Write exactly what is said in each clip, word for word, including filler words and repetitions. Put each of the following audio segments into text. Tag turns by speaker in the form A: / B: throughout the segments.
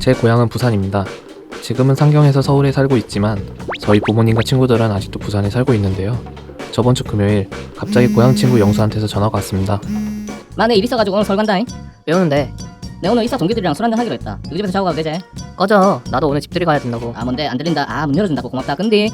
A: 제 고향은 부산입니다. 지금은 상경에서 서울에 살고 있지만 저희 부모님과 친구들은 아직도 부산에 살고 있는데요. 저번 주 금요일 갑자기 고향 친구 영수한테서 전화가 왔습니다.
B: 만에 일 있어가지고 오늘 서울 간다잉.
C: 왜 오는데?
B: 내 오늘 이사 동기들이랑 술 한잔 하기로 했다. 너희 집에서 자고 가도 되지?
C: 꺼져. 나도 오늘 집들이 가야 된다고.
B: 아 뭔데 안 들린다. 아 문 열어준다고 고맙다. 근데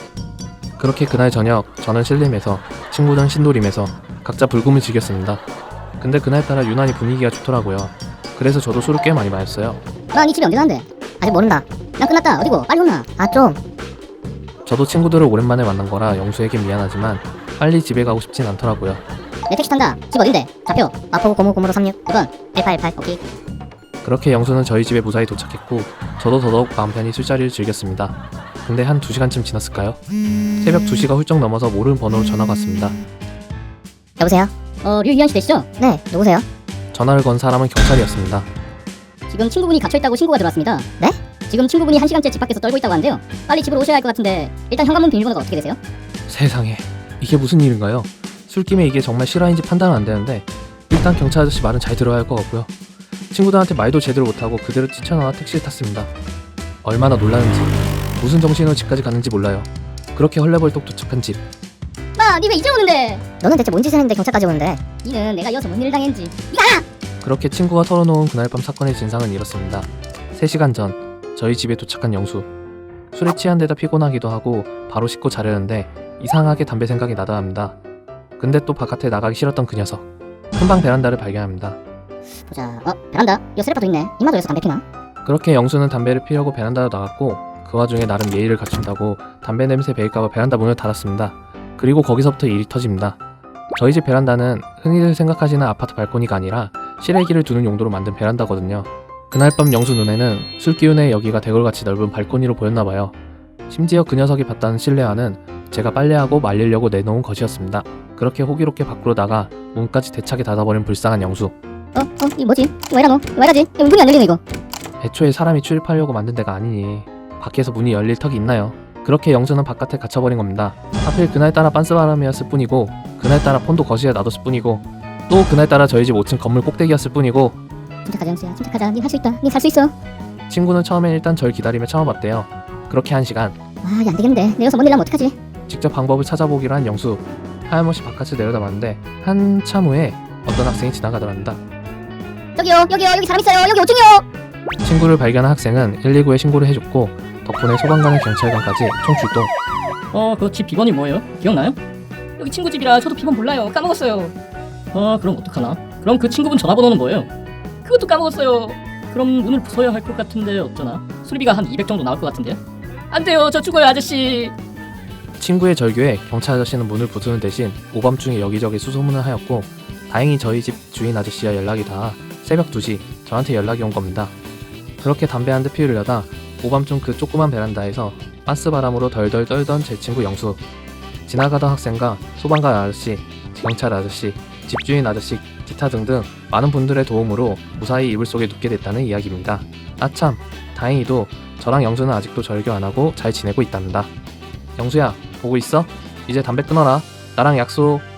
A: 그렇게 그날 저녁 저는 신림에서 친구들은 신도림에서 각자 불금을 즐겼습니다. 근데 그날따라 유난히 분위기가 좋더라고요. 그래서 저도 술을 꽤 많이 마셨어요.
D: 너 니 집이 언제 간대?
C: 아직 모른다.
D: 난 끝났다. 어디고? 빨리 혼나.
C: 아 좀.
A: 저도 친구들을 오랜만에 만난 거라 영수에게 미안하지만 빨리 집에 가고 싶진 않더라고요.
D: 내 택시 탄다. 집 어딘데? 좌표.
C: 마포구 고무고무로 삼육.
D: 일 번. 일팔일팔. 오케이.
A: 그렇게 영수는 저희 집에 무사히 도착했고 저도 더더욱 마음 편히 술자리를 즐겼습니다. 근데 한 두 시간쯤 지났을까요? 새벽 두 시가 훌쩍 넘어서 모르는 번호로 전화가 왔습니다.
C: 여보세요?
D: 어, 류희연 씨 되시죠?
C: 네. 누구세요?
A: 전화를 건 사람은 경찰이었습니다.
D: 지금 친구분이 갇혀있다고 신고가 들어왔습니다.
C: 네?
D: 지금 친구분이 한 시간째 집 밖에서 떨고 있다고 하는데요. 빨리 집으로 오셔야 할 것 같은데 일단 현관문 비밀번호가 어떻게 되세요?
A: 세상에 이게 무슨 일인가요? 술김에 이게 정말 실화인지 판단은 안 되는데 일단 경찰 아저씨 말은 잘 들어야 할 것 같고요. 친구들한테 말도 제대로 못하고 그대로 뛰쳐나와 택시를 탔습니다. 얼마나 놀랐는지 무슨 정신으로 집까지 갔는지 몰라요. 그렇게 헐레벌떡 도착한 집.
D: 마, 니 왜 이제 오는데?
C: 너는 대체 뭔 짓을 했는데 경찰까지 오는데?
D: 니는 내가 이어서 뭔 일을 당했는지.
A: 그렇게 친구가 털어놓은 그날 밤 사건의 진상은 이렇습니다. 세 시간 전 저희 집에 도착한 영수. 술에 취한 데다 피곤하기도 하고 바로 씻고 자려는데 이상하게 담배 생각이 나다 합니다. 근데 또 바깥에 나가기 싫었던 그 녀석. 큰방 베란다를 발견합니다.
D: 보자. 어, 베란다. 이거 쓰레빠도 있네. 이마도 여기서 담배 피나?
A: 그렇게 영수는 담배를 피려고 베란다로 나갔고 그 와중에 나름 예의를 갖춘다고 담배 냄새 배일까봐 베란다 문을 닫았습니다. 그리고 거기서부터 일이 터집니다. 저희 집 베란다는 흔히들 생각하시는 아파트 발코니가 아니라 실외기를 두는 용도로 만든 베란다거든요. 그날 밤 영수 눈에는 술 기운에 여기가 대궐같이 넓은 발코니로 보였나봐요. 심지어 그 녀석이 봤다는 실내화는 제가 빨래하고 말리려고 내놓은 것이었습니다. 그렇게 호기롭게 밖으로 나가 문까지 대차게 닫아버린 불쌍한 영수.
D: 어, 어, 이 뭐지? 이거 왜 이러노? 이거 왜 이러지? 이거 문이 안 열리네 이거.
A: 애초에 사람이 출입하려고 만든 데가 아니니 밖에서 문이 열릴 턱이 있나요? 그렇게 영수는 바깥에 갇혀버린 겁니다. 하필 그날따라 빤스바람이었을 뿐이고 그날따라 폰도 거실에 놔뒀을 뿐이고 또 그날따라 저희 집 오 층 건물 꼭대기였을 뿐이고
D: 침착하자 영수야. 침착하자. 니 할 수 있다. 니 살 수 있어.
A: 친구는 처음엔 일단 절 기다리며 참아봤대요. 그렇게 한 시간
D: 아, 이게 안 되겠는데. 내려서 뭔 일 나면 어떡하지?
A: 직접 방법을 찾아보기로 한 영수. 하염없이 바깥을 내려다봤는데 한참 후에 어떤 학생이 지나가더랍니다.
D: 저기요. 여기요. 여기 사람 있어요. 여기 오 층이요.
A: 친구를 발견한 학생은 일이구에 신고를 해줬고 덕분에 소방관과 경찰관까지 총 출동.
B: 어 그 집 비번이 뭐예요? 기억나요? 여기 친구 집이라 저도 비번 몰라요. 까먹었어요. 아 그럼 어떡하나? 그럼 그 친구분 전화번호는 뭐예요? 그것도 까먹었어요. 그럼 문을 부숴야 할 것 같은데 어쩌나? 수리비가 한 이백 정도 나올 것 같은데요? 안 돼요. 저 죽어요 아저씨.
A: 친구의 절규에 경찰 아저씨는 문을 부수는 대신 오밤중에 여기저기 수소문을 하였고 다행히 저희 집 주인 아저씨와 연락이 닿아 새벽 두 시 저한테 연락이 온 겁니다. 그렇게 담배 한 대 피우려다 오밤중 그 조그만 베란다에서 빤스바람으로 덜덜 떨던 제 친구 영수. 지나가던 학생과 소방관 아저씨, 경찰 아저씨, 집주인 아저씨, 기타 등등 많은 분들의 도움으로 무사히 이불 속에 눕게 됐다는 이야기입니다. 아참, 다행히도 저랑 영수는 아직도 절교 안 하고 잘 지내고 있답니다. 영수야, 보고 있어? 이제 담배 끊어라. 나랑 약속.